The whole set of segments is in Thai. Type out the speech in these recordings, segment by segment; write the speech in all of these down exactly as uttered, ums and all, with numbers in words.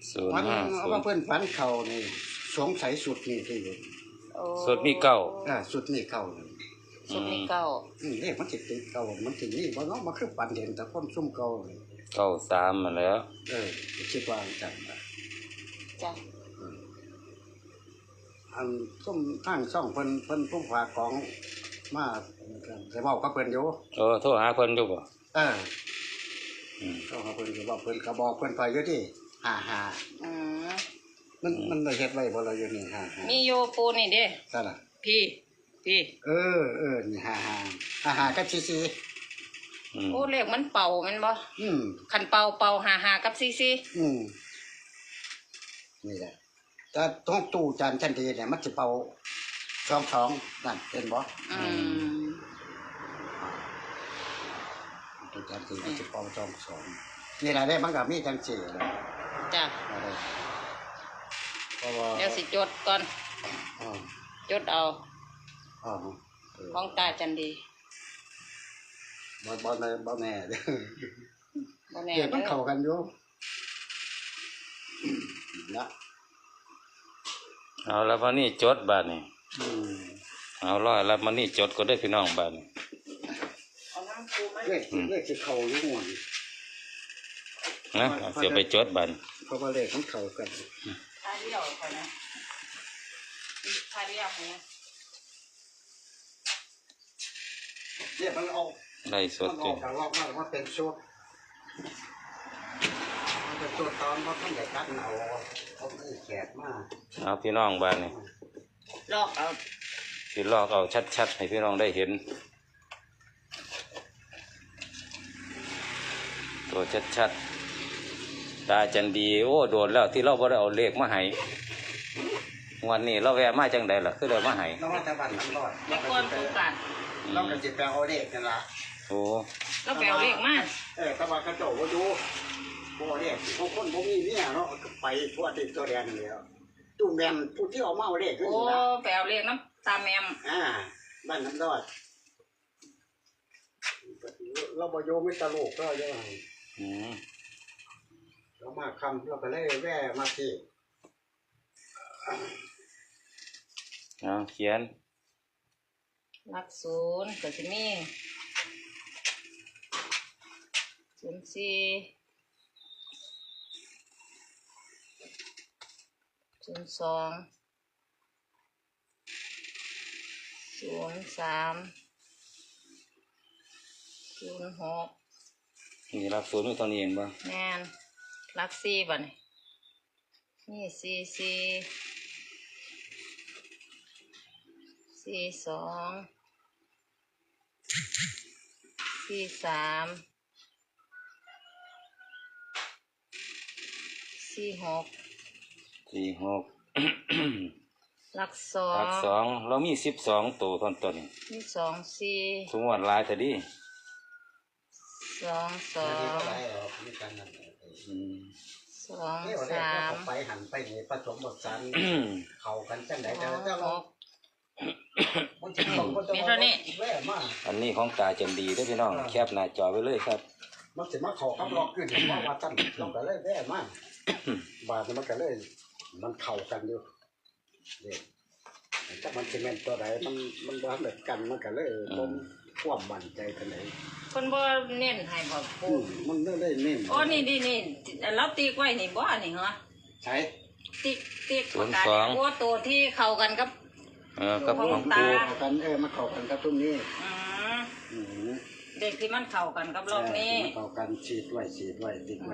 ศูนย์ฝันห้าศูว่านย์เพื่อนฝันเขานี่สงสัยสุดนี่ที่อยู่สุดมีเก้าอ่าสุดนี่เก่าเลยสุดมีเก้าอืมเลขมันจิตติดเก่ามันถึงนี่บ่เนาะมันคือฝันเห็นแต่คนซุ่มเก่าเลยเก้าสามมาแล้วเออคิดว่าจังนะจ้ะอันซุ่มทางช่องเพิ่นเพิ่นผู้ฝากของมาได้เว้ากับเพิ่นอยู่เออโทรหาเพิ่นอยู่บ่เอออืมก็เขาเพิ่นก็บอกเพิ่นก็บอกเพิ่นไปอยู่ที่ห้าห้าอืมมันมันได้เฮ็ดไว้บ่ล่ะอยู่นี่ห้าห้ามีโยปูนี่เด้ซั่นล่ะพี่พี่เออเออนี่ห้าห้าห้าห้ากับสี่สี่อืมโอ้เลขมันเป่าแมันบ่อืมคันเป่าเป่าหาหากับซีซีอืมนี่แหละแต่ตรงตู้จานจันดีเนี่ยมันสิเป่าสองสองนั่นเป็นบ่อืมตู้จานดีมันสิเป่าสองสองนี่แหละได้มันก็มีจังสี่แหละจ้ะอะไรเพราะว่าเดี๋ยวสิจดก่อนอ๋อจดเอาอ๋อเออของตาจันดีบ่บ่แน่บ่แน่เด้อบ่แน่เดี๋ยวมันเด้อเข้ากันอยู่นะเอาแล้ววันนี้จดบาดนี่อืมเอาร้อยแล้ววันนี้จดก็ได้พี่น้องบาดนี่เอาน้ำปูมาเลขเลขสิเข้าอยู่หม่องนะเอาเสียไปจดบาดนี่เพราะว่าเลขมันเข้ากันทาเดียวก่อนนะทาเดียวเนี่ยเนี่ยมันออกได้สดมันอจริอง กจากรอบมาว่าเป็นชุดมันเป็นชุดตอนว่าท่านใหญ่กัดเอาเอาไอ้แขกมาเอาพี่น้องบาดนี่ลอกเอาสิลอกเอาชัดๆให้พี่น้องได้เห็น ตัวชัดๆตาจันดีโอ้โดนแล้วที่เราบ่ได้เอาเลขมาให้วันนี้เราแวะมาจังใดล่ะคือได้มาให้แล้วว่าแต่บ้านน้ำรอดแล้วก่อนปูกันเราก็จะไปเอาเลขกันละโอ้แล้วแปลเลขมาเออแต่ว่ากระโจกว่าดูบ่เลขพวกคนบ่มีเนี่ยเนาะก็ไปทั่วติดตัวแดนนี่แล้วตู้แมนผู้ที่เอามาเอาเลขขึ้นโอ้นี่ละแปลเลขน้ำตาแมมอ่าบ้านน้ำรอดเราบ่โยไม่ตลกเราเยอะอืมเรามาคำเราก็เลยแว่มาที่เอาเขียนหลักศูนย์ก็จะมีศูนย์สี่ศูนย์สองศูนย์สามศูนย์หกนี่รับศูนย์มีตัวนี้เองบ่แม่นหลักสี่บ่นี่นี่สี่สี่สี่สองสี่สามสี่หกสี่หกหลักสอหลังกสองเรามีสิบสองตัวตอนต้นนี่สองสี่สมมติลายแต่ดีสองสอไม่งเท่าไรหรอกมีกันนั่นอืมสองเที่ยวเลขสามไปหันไปนี่ผสมบทสันเข้ากันจังไดสแต่องแต่หเรากมันจะต้องมันจะมีเท่านี้แว่มากอันนี้ของตาจันดีเด้อพี่น้องแคบหน้าจอไปเลยครับมันสิมาเข้ากับล็อกขึ้นเพราะว่าตั้นเราก็เลยแว่มากบาดมันก็เลยมันเข้ากันอยู่เด็กถ้ามันสิแม่นตัวใดมันมันบ่เหมือนกันมันก็เลยบ่มความมั่นใจกันไหนคนบ่เน้นให้บ่อืปูมมันเลยได้เน้นโอ้นี่นี่นี่เราตีไว้นี่บ่นี่เหรอใช่ติ๊กติ๊กประกาศเนี่ยโอ้ตัวที่เข้ากันกับเออกับของตาปูเข้ากันเออมันเข้ากันกับตรงนี้อืมอืมเด็กที่มันเข้ากันกับรอบนี้เออมันเข้ากันฉีดไว้ฉีดไว้ติดไว้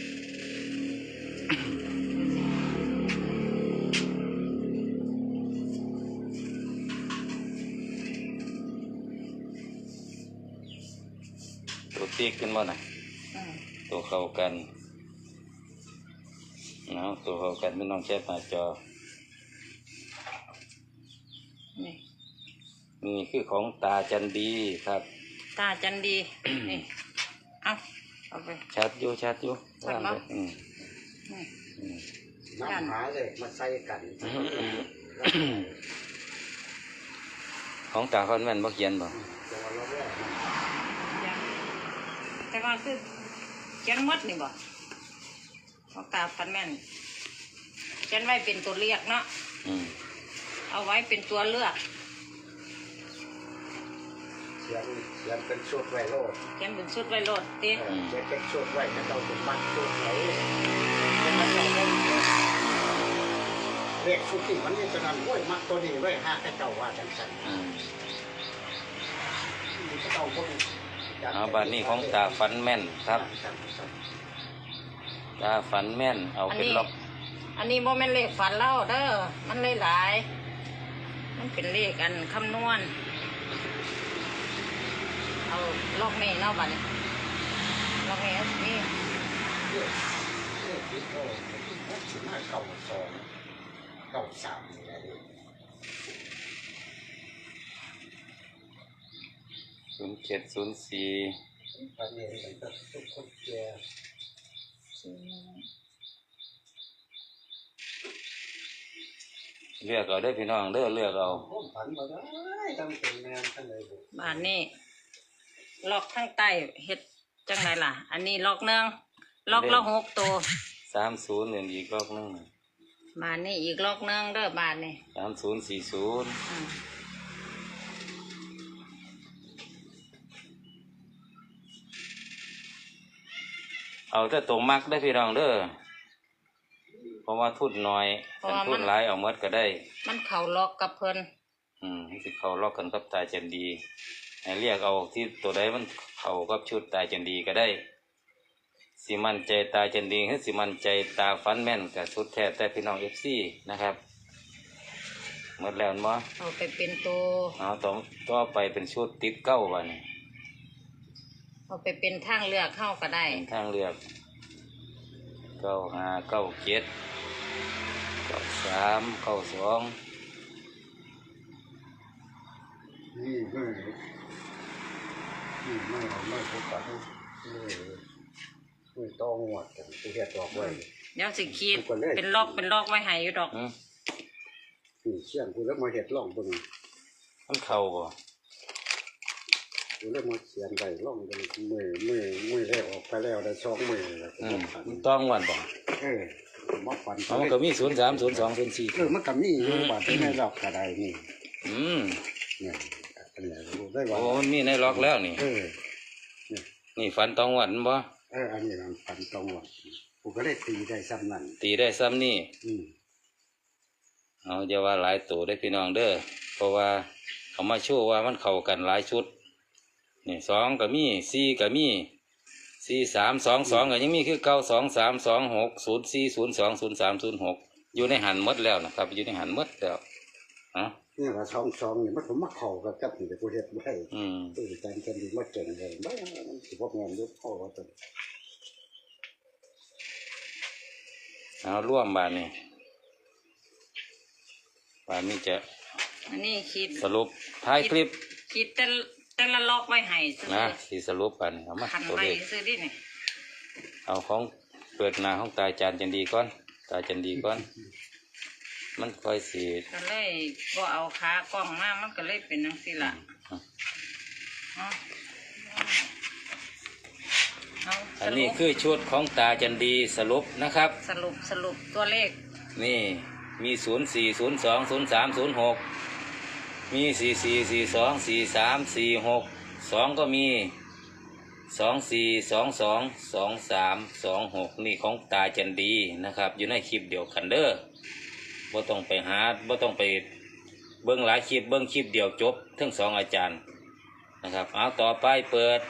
ตัวติ๊กขึ้นมาหน่อยอืมตัวเข้ากันเนาะตัวเข้ากันพี่น้องแคบหน้าจอนี่นี่คือของตาจันดีครับตาจันดี นี่เอาเอาไปชัดอยู่ชัดอยู่ชัดมั้ยอืมนี่อืมน้ำหาเลยมาใส่กันของตาคอนแม่นบ่เขียนบ่ตัวเราแว่ยังแต่ว่าคือเขียนหมดนี่บ่ขของตาฟันแม่นเขียนไว้เป็นตัวเลือกเนาะอืมเอาไว้เป็นตัวเลือกเสียงเสียงเป็นชุดไวโรดเขียนเป็นชุดไว้โลดติเออเสียงเป็นชุดไว้แต่เราเป็นมัดชุดไหนเป็นมัดเราได้เลขชุดที่มันนี่จะนั่นโอ้ยมัดตัวนี้ไว้ห้าแค่เจ้าว่าจังสันอืมนี่ก็ต้องคนเอาบัดนี้ของตาฝันแม่นครับตาฝันแม่นเอาเป็นล็อกอันนี้โมเมนเลขฝันเล่าเด้อมันเลยหลายๆมันเป็นเลขอันคำนวณเอาลอกนี่เนาะบัดนี้ลอกนี่เอาสิมีเลขเลขที่เขาสิบห้าเก้าสองเก้าสามนี่แหละศูนย์เจ็ดศูนย์สี่ตอนนี้มันก็ทุกคนแก่เลือกเอาได้อพี่น้องเด้อเลือกเอาผมฝันมาได้ทำเป็นแมนทั้งเลยบุบานนี้ลอกข้างใต้เฮ็ดจังไรล่ะ อันนี้ลอกหนึ่งลอกละหกตัวสามศูนย์เหรียญอีกรอบหนึงบานนี้อีกลอกหนึ่งเด้อบานนี้สามศูนย์สี่ศูนย์อืมเอาแต่ตัวมักได้อพี่น้องเด้อเพราะว่าทุนน้อยคันทุนหลายเอาหมดก็ได้มันเข่าลอกกับเพิ่นอืมสิเขาลอกกันกับตาจันดีให้เรียกเอาที่ตัวใดมันเข้ากับชุดตาจันดีก็ได้สิมันใจตาจันดีหรือสิมันใจตาฟันแม่นกับสุดแท้แต่พี่น้องเอฟซีนะครับหมดแล้วมั้งเอาไปเป็นตัวเอาต่อต่อไปเป็นชุดติดเก้าวันเอาไปเป็นทางเลือกเข้าก็ได้เป็นทางเลือกเก้าห้าเก้าเจ็ดเก้าสามเก้าสองนี่ไม่นี่ไม่ไม่พบกันนี่นี่ต้องหวดกันที่เฮ็ดดอกไว้เดี๋ยวสิขีดเป็นลอกเป็นลอกไว้ให้อยู่ดอกอืมนี่เชี่ยงกูแล้วมาเฮ็ดร่องเบิ่งมันเข่าบ่กูแล้วมาเขียนไว้ร่องเบิ่งมือมือมือแรกออกไปแล้วได้สองมือแล้วอืมมันต้องวันบ่เออมาฝันเอามันก็มีศูนย์สามศูนย์สองศูนย์สี่เออมันก็มีอยู่บาดในดอกกระไดนี่อืมเนี่ยอันนี้รู้ได้ว่าโอ้มันมีในล็อกแล้วนี่เออนี่ฝันตองวันบ่เอออันนี้มันฝันตรงว่ากูก็ได้ตีได้ซ้ำนั่นตีได้ซ้ำนี่อืมเอาอย่าว่าหลายตัวได้อพี่น้องเด้อเพราะว่าเขามาโชว์ว่ามันเข้ากันหลายชุดนี่สองก็มีสี่ก็มีสี่สามสองสองก็ยังมีคือเก้าสองสามสองหกศูนย์สี่ศูนย์สองศูนย์สามศูนย์หกอยู่ในหันหมดแล้วนะครับ อยู่ในหันหมดแล้วอ่ะนี่ละช่องช่องนี่มันผมมาเข่ากับจับนี่แต่กูเฮ็ดไว้อืมเออการกันดีมาเก่งเลยบ้ามันสิบ่งานยุคพ่อว่าตัวเอาร่วมบานนี่บานนี้จะอันนี้ขีดสรุปท้ายคลิปขีดแต่ละแต่ละลอกไว้ให้ซื้อนะสีสรุปกันเอามาขันตัวไว้เลขซื้อดินี่เอาของเปิดหน้าของตาจานจันดีก่อนตาจันดีก่อน มันค่อยสีก็เลยก็เอาขากล้องมามันก็เลยเป็นจังซี่ล่ะเอาเอาอัสนรุนี้ปคือชุดของตาจันดีสรุปนะครับสรุปสรุปตัวเลขนี่มีศูนย์สี่ศูนย์สองศูนย์สามศูนย์หกมีสี่สี่สี่สองสี่สามสี่หกสองก็มีสองสี่สองสองสองสามสองหกนี่ของตาจันดีนะครับ อยู่ในคลิปเดียวกันเด้อบ่ต้องไปหาบ่ต้องไปเบิ้งหลายคลิปเบิ้งคลิปเดียวจบทั้งสองอาจารย์นะครับเอาต่อไปเปิด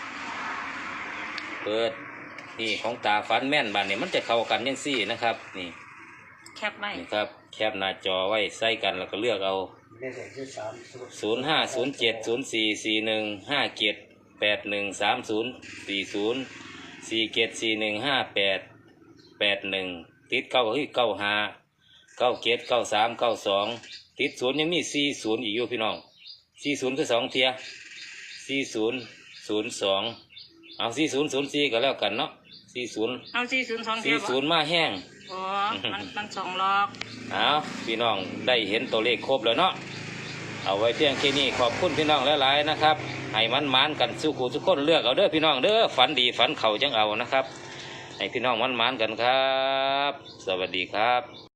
เปิดนี่ของตาฟันแม่นบ้านนี่มันจะเข้ากันยังซี่นะครับนี่แคปไว้นี่ครับแคปหน้าจอไว้ใส่กันแล้วก็เลือกเอานี่แหละที่สามสุดศูนย์ห้าศูนย์เจ็ดศูนย์สี่สี่หนึ่งห้าเจ็ดแปดหนึ่งสามศูนย์สี่ศูนย์สี่เจ็ดสี่หนึ่งห้าแปดแปดหนึ่งติดเก้าเฮ้ยเก้าห้าเก้าเจ็ดเก้าสามเก้าสองติดศูนย์ยังมีสี่ศูนย์อีกอยู่พี่น้องสี่ศูนย์คือสองเทียสี่ศูนย์ศูนย์สองเอาสี่ศูนย์ศูนย์สี่ก็แล้วกันเนาะสี่ศูนย์เอาสี่ศูนย์สองเทีสี่ยบศูนย์มาแห้งอ๋อมันมันสองลอกเอาพี่น้องได้เห็นตัวเลขครบแล้วเนาะเอาไว้เพียงแค่นี้ขอบคุณพี่น้องหลายๆนะครับให้มันมานกันสู้ขู่ทุกคนเลือกเอาเด้อพี่น้องเด้อฝันดีฝันเข่าจังเอานะครับให้พี่น้องมันๆกันครับ สวัสดีครับ